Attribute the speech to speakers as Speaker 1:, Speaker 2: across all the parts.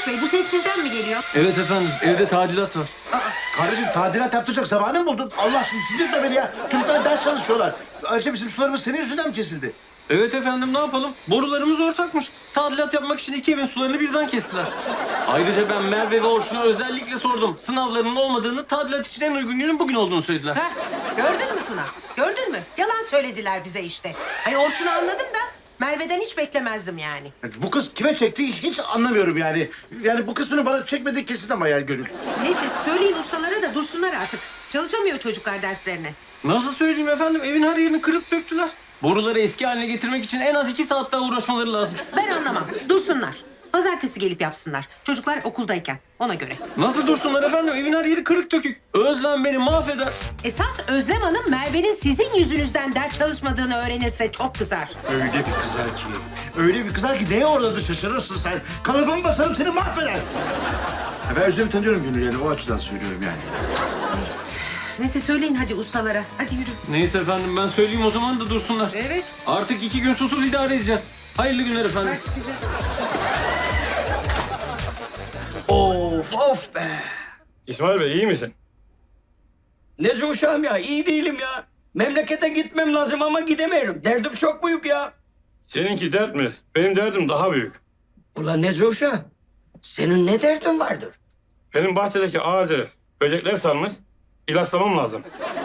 Speaker 1: Sertaç Bey, bu ses sizden mi geliyor?
Speaker 2: Evet efendim, evde tadilat var.
Speaker 3: Kardeşim tadilat yaptıracak zamanı mı buldun? Allah aşkına sinirle beni ya. Çocuklar ders çalışıyorlar. Ayrıca bizim sularımız senin yüzünden mi kesildi?
Speaker 2: Evet efendim, ne yapalım? Borularımız ortakmış. Tadilat yapmak için iki evin sularını birden kestiler. Ayrıca ben Merve ve Orçun'a özellikle sordum. Sınavlarının olmadığını, tadilat için en uygun günün bugün olduğunu söylediler.
Speaker 1: Heh, gördün mü Tuna? Gördün mü? Yalan söylediler bize işte. Ay Orçun'u anladım da Merve'den hiç beklemezdim yani.
Speaker 3: Bu kız kime çekti hiç anlamıyorum yani. Yani bu kısmını bana çekmedi kesin ama yani Gönül.
Speaker 1: Neyse söyleyin ustalara da dursunlar artık. Çalışamıyor çocuklar derslerine.
Speaker 2: Nasıl söyleyeyim efendim? Evin her yerini kırıp döktüler. Boruları eski haline getirmek için en az 2 saat daha uğraşmaları lazım.
Speaker 1: Ben anlamam. Dursunlar. Pazartesi gelip yapsınlar. Çocuklar okuldayken ona göre.
Speaker 2: Nasıl dursunlar efendim? Evin her yeri kırık dökük. Özlem beni mahveder.
Speaker 1: Esas Özlem Hanım Merve'nin sizin yüzünüzden ders çalışmadığını öğrenirse çok kızar.
Speaker 3: Öyle bir kızar ki. Öyle bir kızar ki neye uğradı şaşırırsın sen. Kalıbımı basarım seni mahveder. Ya ben Özlem'i tanıyorum Gönül yani o açıdan söylüyorum yani.
Speaker 1: Neyse söyleyin hadi ustalara. Hadi yürü.
Speaker 2: Neyse efendim, ben söyleyeyim o zaman da dursunlar.
Speaker 1: Evet.
Speaker 2: Artık 2 gün susuz idare edeceğiz. Hayırlı günler efendim.
Speaker 1: Hadi size.
Speaker 4: Of be.
Speaker 5: İsmail Bey iyi misin?
Speaker 4: Ne uşağım ya, iyi değilim ya. Memlekete gitmem lazım ama gidemiyorum. Derdim çok büyük ya.
Speaker 5: Seninki dert mi? Benim derdim daha büyük.
Speaker 4: Ulan ne uşağım? Senin ne derdin vardır?
Speaker 5: Benim bahçedeki ağacı böcekler sarmış. İlaçlamam lazım.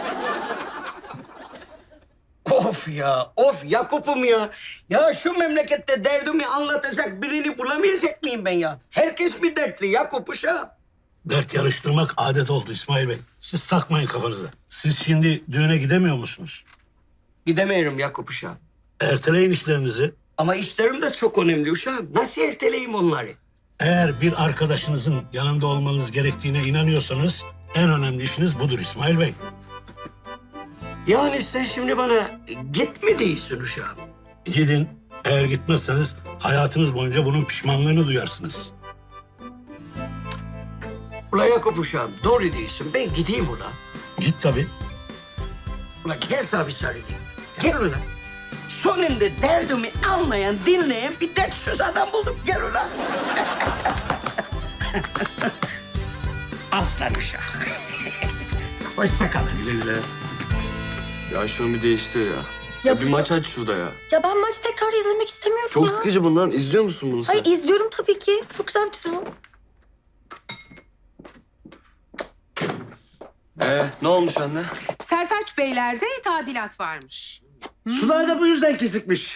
Speaker 4: Of Yakup'um ya. Ya şu memlekette derdimi anlatacak birini bulamayacak mıyım ben ya? Herkes bir dertli Yakup uşağım.
Speaker 6: Dert yarıştırmak adet oldu İsmail Bey. Siz takmayın kafanıza. Siz şimdi düğüne gidemiyor musunuz?
Speaker 4: Gidemiyorum Yakup uşağım.
Speaker 6: Erteleyin işlerinizi.
Speaker 4: Ama işlerim de çok önemli uşağım. Nasıl erteleyeyim onları?
Speaker 6: Eğer bir arkadaşınızın yanında olmanız gerektiğine inanıyorsanız en önemli işiniz budur İsmail Bey.
Speaker 4: Yani sen şimdi bana gitme değilsin uşağım.
Speaker 6: Gidin. Eğer gitmezseniz hayatınız boyunca bunun pişmanlığını duyarsınız.
Speaker 4: Ula Yakup uşağım doğru değilsin. Ben gideyim ula.
Speaker 6: Git tabii.
Speaker 4: Ula gel sana bir sarılayım. Gel ula. Sonunda derdimi anlayan, dinleyen bir dert söz adam buldum. Gel ula. Aslan uşağım. Hoşça kalın.
Speaker 2: Güle güle. Ya şunu bir değiştir ya.
Speaker 7: Ya
Speaker 2: Bir maç aç şurada ya.
Speaker 7: Ya ben maç tekrar izlemek istemiyorum
Speaker 2: Çok
Speaker 7: ya.
Speaker 2: sıkıcı bundan. İzliyor musun bunu sen?
Speaker 7: Hayır izliyorum tabii ki. Çok güzel bir çizim.
Speaker 2: Ne olmuş anne?
Speaker 1: Sertaç Beyler'de tadilat varmış.
Speaker 3: Sular da bu yüzden kesikmiş.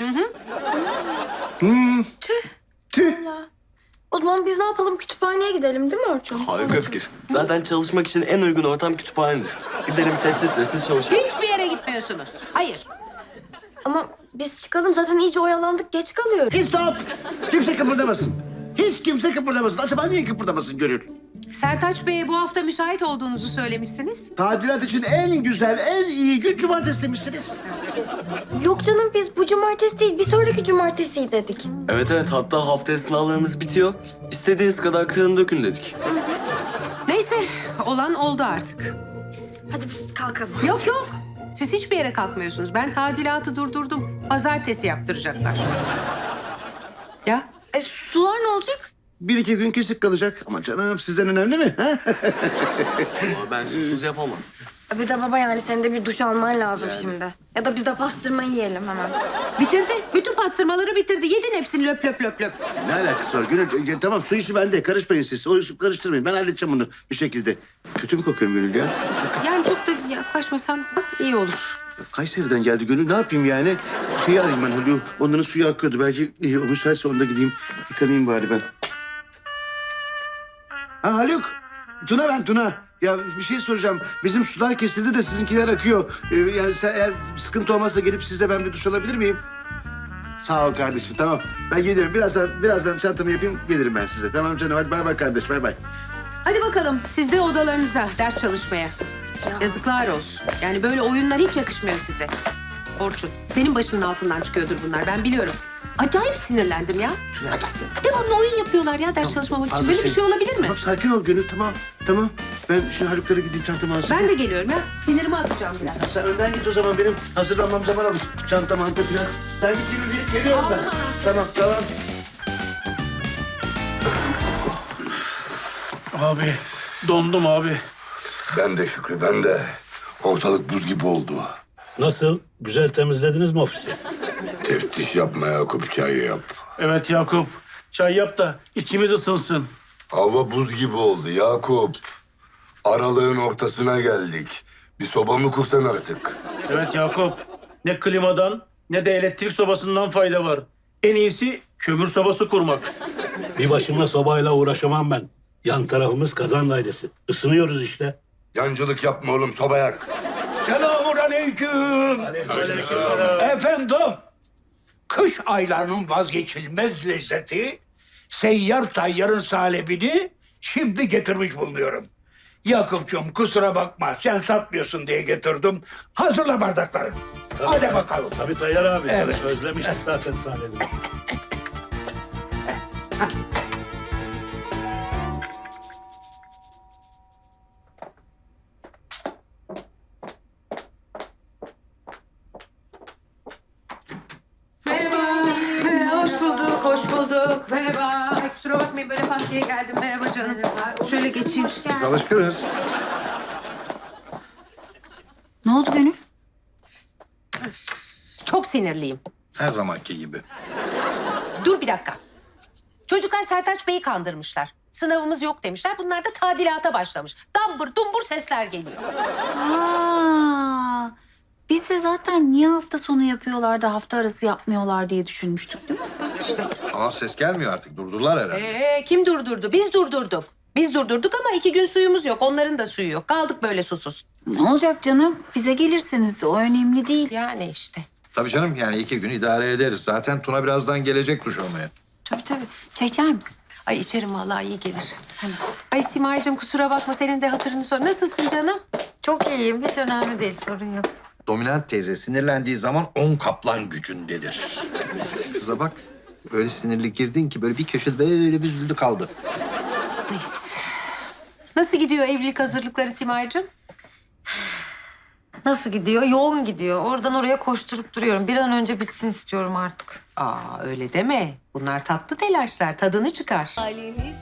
Speaker 3: Tüh.
Speaker 7: O zaman biz ne yapalım? Kütüphaneye gidelim değil mi Orçun?
Speaker 8: Harika fikir. Zaten çalışmak için en uygun ortam kütüphanedir. Gidelim sessiz sessiz çalışalım.
Speaker 1: Hiçbir yere gitmiyorsunuz. Hayır.
Speaker 7: Ama biz çıkalım zaten iyice oyalandık. Geç kalıyoruz.
Speaker 3: Stop. Kimse kıpırdamasın. Hiç kimse kıpırdamasın. Acaba niye kıpırdamasın Gönül?
Speaker 1: Sertaç Bey'e bu hafta müsait olduğunuzu söylemişsiniz.
Speaker 3: Tadilat için en güzel, en iyi gün cumartesi demişsiniz.
Speaker 7: Yok canım biz bu cumartesi değil bir sonraki cumartesi dedik.
Speaker 8: Evet hatta haftaya sınavlarımız bitiyor. İstediğiniz kadar kırın dökün dedik.
Speaker 1: Neyse olan oldu artık.
Speaker 7: Hadi biz kalkalım.
Speaker 1: Yok yok. Siz hiçbir yere kalkmıyorsunuz. Ben tadilatı durdurdum. Pazartesi yaptıracaklar. Ya
Speaker 7: Sular ne olacak?
Speaker 3: Bir iki gün kesik kalacak. Ama canım sizden önemli mi? Ha?
Speaker 8: Ama ben susuz yapamam.
Speaker 7: Bir de baba yani senin de bir duş alman lazım şimdi. Ya da biz de pastırma yiyelim hemen.
Speaker 1: bitirdi. Bütün pastırmaları bitirdi. Yedin hepsini löp löp löp löp.
Speaker 3: Ne alakası var Gönül? Tamam su işi bende. Karışmayın siz. O işi karıştırmayın. Ben halledeceğim bunu bir şekilde. Kötü mü kokuyorum Gönül ya?
Speaker 1: Yani çok da yaklaşmasan iyi olur.
Speaker 3: Kayseri'den geldi Gönül. Ne yapayım yani? Şeyi arayayım ben Haluk'u. Onların suyu akıyordu. Belki o müsaitse onda gideyim. Yıkanayım bari ben. Ha Haluk. Tuna ben Tuna. Ya bir şey soracağım. Bizim sular kesildi de sizinkiler akıyor. Yani sen eğer sıkıntı olmazsa gelip sizle ben bir duş alabilir miyim? Sağ ol kardeşim. Tamam. Ben geliyorum. Birazdan çantamı yapayım. Gelirim ben size. Tamam canım. Hadi bay bay kardeş. Bay bay.
Speaker 1: Hadi bakalım siz de odalarınıza ders çalışmaya.
Speaker 7: Ya.
Speaker 1: Yazıklar olsun. Yani böyle oyunlar hiç yakışmıyor size. Orçun, senin başının altından çıkıyordur bunlar. Ben biliyorum. Acayip sinirlendim ya. Devamlı oyun yapıyorlar ya ders çalışmamak için. Böyle bir şey olabilir mi?
Speaker 3: Tamam sakin ol Gönül. Tamam. Tamam. Ben şimdi Haluk'lara gideyim çantamı hazırlayayım.
Speaker 1: Ben de geliyorum ya. Sinirimi atacağım biraz.
Speaker 3: Sen önden git o zaman. Benim hazırlanmam zaman alır. Çanta manta falan. Sen git gibi geliyorum ben. Tamam tamam.
Speaker 9: Abi dondum abi.
Speaker 10: Ben de Şükrü, ben de. Ortalık buz gibi oldu.
Speaker 6: Nasıl? Güzel temizlediniz mi ofisi?
Speaker 10: Teftiş yapma Yakup, çay yap.
Speaker 9: Evet Yakup. Çay yap da içimiz ısınsın.
Speaker 10: Hava buz gibi oldu Yakup. Aralığın ortasına geldik. Bir soba mı kursan artık?
Speaker 9: Evet Yakup. Ne klimadan ne de elektrik sobasından fayda var. En iyisi kömür sobası kurmak.
Speaker 6: Bir başıma sobayla uğraşamam ben. Yan tarafımız kazan dairesi. Isınıyoruz işte.
Speaker 10: Yancılık yapma oğlum, soba yak.
Speaker 11: Selamünaleyküm. Efendim, kış aylarının vazgeçilmez lezzeti seyyar tayyarın salebini şimdi getirmiş bulunuyorum. Yakup'cum kusura bakma, sen satmıyorsun diye getirdim. Hazırla bardakları. Hadi bakalım.
Speaker 6: Tabii Tayyar abi.
Speaker 11: Evet.
Speaker 6: Özlemiştik zaten sahnede.
Speaker 1: Merhaba. Hoş bulduk, hoş bulduk. Merhaba. Ay, kusura bakmayın böyle pat diye geldim. Merhaba canım. Şöyle geçeyim.
Speaker 3: Biz alışkınız.
Speaker 7: Ne oldu Gönül?
Speaker 1: Çok sinirliyim.
Speaker 10: Her zamanki gibi.
Speaker 1: Dur bir dakika. Çocuklar Sertaç Bey'i kandırmışlar. Sınavımız yok demişler. Bunlar da tadilata başlamış. Dambur dumbur sesler geliyor.
Speaker 7: Aa, biz de zaten niye hafta sonu yapıyorlar da hafta arası yapmıyorlar diye düşünmüştük değil mi?
Speaker 10: Ama ses gelmiyor artık, durdular herhalde.
Speaker 1: Kim durdurdu? Biz durdurduk. Biz durdurduk ama 2 gün suyumuz yok. Onların da suyu yok. Kaldık böyle susuz.
Speaker 7: Ne olacak canım? Bize gelirsiniz. O önemli değil.
Speaker 1: Yani işte.
Speaker 10: Tabii canım, yani 2 gün idare ederiz. Zaten Tuna birazdan gelecek duş almaya.
Speaker 7: Tabii tabii. Çay içer misin?
Speaker 1: Ay içerim vallahi iyi gelir. Ay Simay'cığım kusura bakma senin de hatırını sor. Nasılsın canım?
Speaker 7: Çok iyiyim. Hiç önemli değil. Sorun yok.
Speaker 10: Dominant teyze sinirlendiği zaman 10 kaplan gücündedir. Kıza bak, öyle sinirli girdin ki böyle bir köşede böyle bir üzüldü kaldı.
Speaker 1: Neyse. Nasıl gidiyor evlilik hazırlıkları Simay'cığım?
Speaker 7: Nasıl gidiyor? Yoğun gidiyor. Oradan oraya koşturup duruyorum. Bir an önce bitsin istiyorum artık.
Speaker 1: Aa öyle deme. Bunlar tatlı telaşlar. Tadını çıkar.